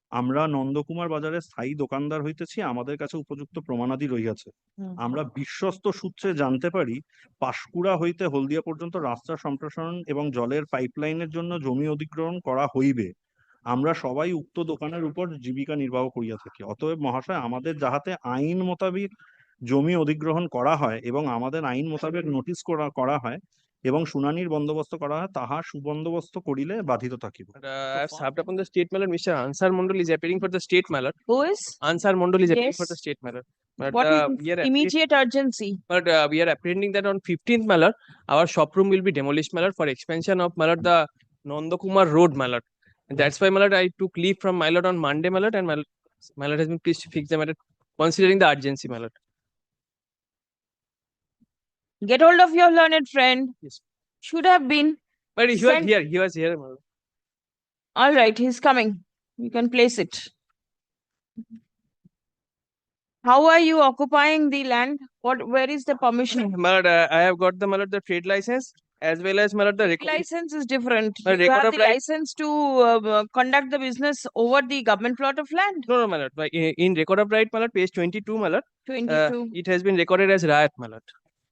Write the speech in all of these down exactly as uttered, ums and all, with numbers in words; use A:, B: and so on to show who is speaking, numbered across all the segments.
A: আমরা নন্দকুমার বাজারে স্থায়ী দোকানদার হইতেছি, আমাদের কাছে উপযুক্ত প্রমাণাদি রহিয়াছে।
B: হুম।
A: আমরা বিশ্বস্ত সূত্রে জানতে পারি, পাঁশকুড়া হইতে হলদিয়া পর্যন্ত রাস্তা সম্প্রসারণ এবং জলের পাইপলাইনের জন্য জমি অধিগ্রহণ করা হইবে। আমরা সবাই উক্ত দোকানের উপর জীবিকা নির্বাহ করিয়া থাকি। অতএব মহাশয়, আমাদের যাহাতে আইন মোতাবেক জমি অধিগ্রহণ করা হয় এবং আমাদের আইন মোতাবেক নোটিশ করা করা হয় এবং শুনানির বন্দোবস্ত করা হয়, তাহা সুবন্দোবস্ত করিলে বাধিত থাকিব।
C: But, uh, I have served upon the state mallet. Mister Ansar Mondal is appearing for the state mallet.
B: Who is?
C: Ansar Mondal is appearing for
B: Yes.
C: the state mallet. But
B: What
C: uh,
B: is
C: we are
B: immediate urgency?
C: But uh, we are apprehending that on fifteenth mallet, our shop room will be demolished mallet for expansion of mallet the Nandakumar Road mallet. And that's why mallet I took leave from mallet on Monday mallet, and mallet, mallet has been pleased to fix the matter considering the urgency mallet.
B: Get hold of your learned friend.
C: Yes.
B: Should have been.
C: But he was
B: Send-
C: here. He was here. mallet.
B: All right, he's coming. You can place it. How are you occupying the land? What? Where is the permission?
C: Mallet, uh, I have got the mallet the trade license as well as mallet the record.
B: License is different.
C: A
B: You
C: record
B: have
C: of
B: the
C: right-
B: license to uh, uh, conduct the business over the government plot of land.
C: No, no, mallet. But in, in record of right mallet, page twenty-two mallet, uh,
B: twenty-two.
C: it has been recorded as Rayat mallet.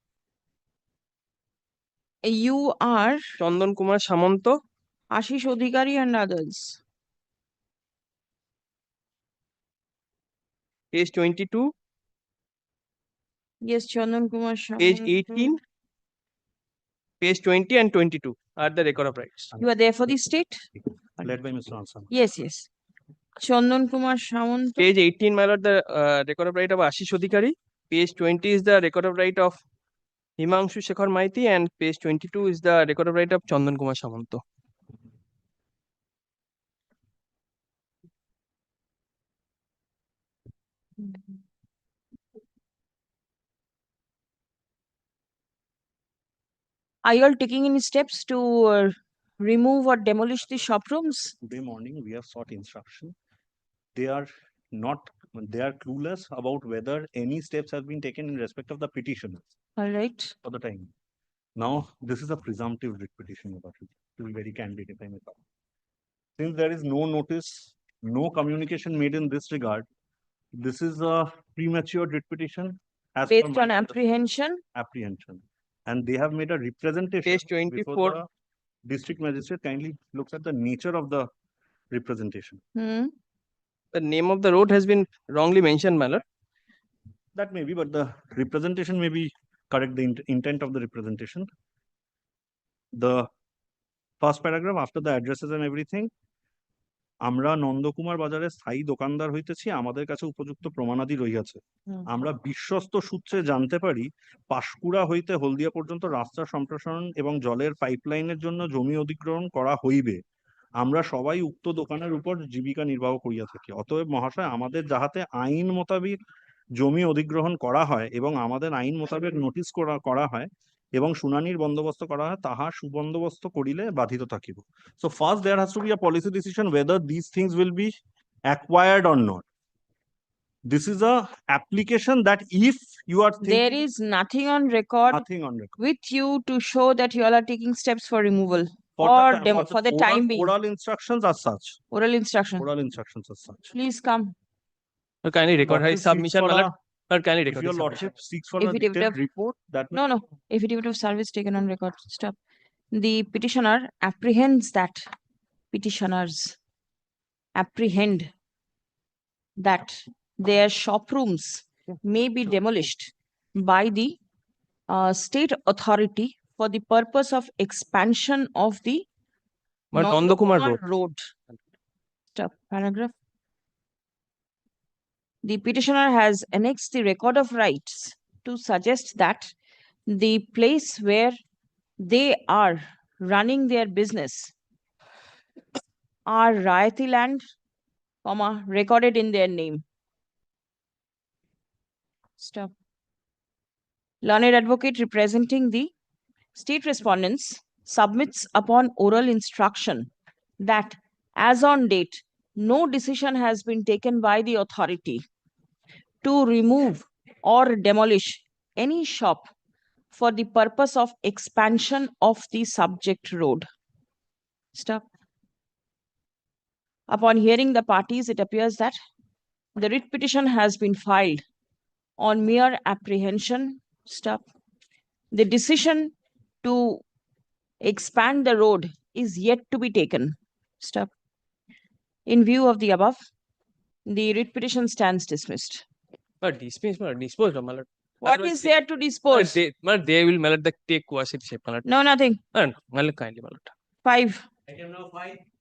B: You are
C: Chandan Kumar Samanto,
B: Ashish Odhikari and others.
C: page twenty-two,
B: Yes, Chandan Kumar
C: page
B: Samanto.
C: eighteen, page twenty and twenty-two are the record of rights.
B: You are there for the state?
A: Led by Mister Ansar.
B: Yes, yes. Chandan Kumar Samanto.
C: Page eighteen mallet the uh, record of right of Ashish Odhikari. Page twenty is the record of right of Himangshu Shekhar Maiti, and page twenty-two is the record of right of Chandan Kumar Samanto.
B: Are you all taking any steps to uh, remove or demolish the shop rooms?
A: Today morning, we have sought instruction. They are not, they are clueless about whether any steps have been taken in respect of the petition
B: All right.
A: for the time. Now, this is a presumptive writ petition, Your Worship, to be very candid, if I may talk. Since there is no notice, no communication made in this regard, this is a premature writ petition as per
B: Based
A: my
B: on apprehension.
A: apprehension. And they have made a representation.
C: Page
A: before
C: twenty-four.
A: the District magistrate kindly looks at the nature of the representation.
B: Hmm.
C: The name of the road has been wrongly mentioned, mallet.
A: That may be, but the representation may be correct, the int- intent of the representation. The first paragraph, after the addresses and everything, আমরা নন্দকুমার বাজারে স্থায়ী দোকানদার হইতেছি, আমাদের কাছে উপযুক্ত প্রমাণাদি রহিয়াছে।
B: Hmm.
A: আমরা বিশ্বস্ত সূত্রে জানতে পারি, পাঁশকুড়া হইতে হলদিয়া পর্যন্ত রাস্তা সম্প্রসারণ এবং জলের পাইপলাইনের জন্য জমি অধিগ্রহণ করা হইবে। আমরা সবাই উক্ত দোকানের উপর জীবিকা নির্বাহ করিয়া থাকি। অতএব মহাশয়, আমাদের যাহাতে আইন মোতাবেক জমি অধিগ্রহণ করা হয় এবং আমাদের আইন মোতাবেক নোটিশ করা করা হয় এবং শুনানির বন্দোবস্ত করা হয়, তাহা সুবন্দোবস্ত করিলে বাধিত থাকিব। So first there has to be a policy decision whether these things will be acquired or not. This is a application that if you are thinking
B: There is nothing on record
A: nothing on record.
B: with you to show that you all are taking steps for removal
A: For
B: or
A: the,
B: demo, for the
A: oral-
B: time being.
A: Oral instructions as such,
B: Oral instruction.
A: oral instructions as such.
B: Please come.
C: So kindly record
A: Lordship
C: his
A: seeks
C: submission,
A: for
C: mallet.
A: a-
C: But kindly
A: If
C: record
A: your
C: his submission.
A: lordship seeks for
B: If
A: a
B: it- if it
A: detailed
B: have-
A: report, that may
B: No, no. Affidavit of service taken on record. Stop. The petitioner apprehends that petitioners apprehend that their shop rooms may be demolished by the uh, state authority for the purpose of expansion of the
C: But Nandakumar
B: Nandakumar
C: Road.
B: Road. Stop. Paragraph. The petitioner has annexed the record of rights to suggest that the place where they are running their business are Rayati land, comma, recorded in their name. Stop. Learned advocate representing the state respondents submits upon oral instruction that as on date, no decision has been taken by the authority to remove or demolish any shop for the purpose of expansion of the subject road. Stop. Upon hearing the parties, it appears that the writ petition has been filed on mere apprehension. Stop. The decision to expand the road is yet to be taken. Stop. In view of the above, the writ petition stands dismissed.
C: But dismiss, my lord, disposed of, my lord.
B: What
C: Otherwise
B: is
C: they-
B: there to
C: My lord,
B: dispose?
C: they, my lord, they will, my lord, the take coercive shape, my lord.
B: No, nothing.
C: My lord, my lord, kindly, my lord.
B: Five.
A: Item number five.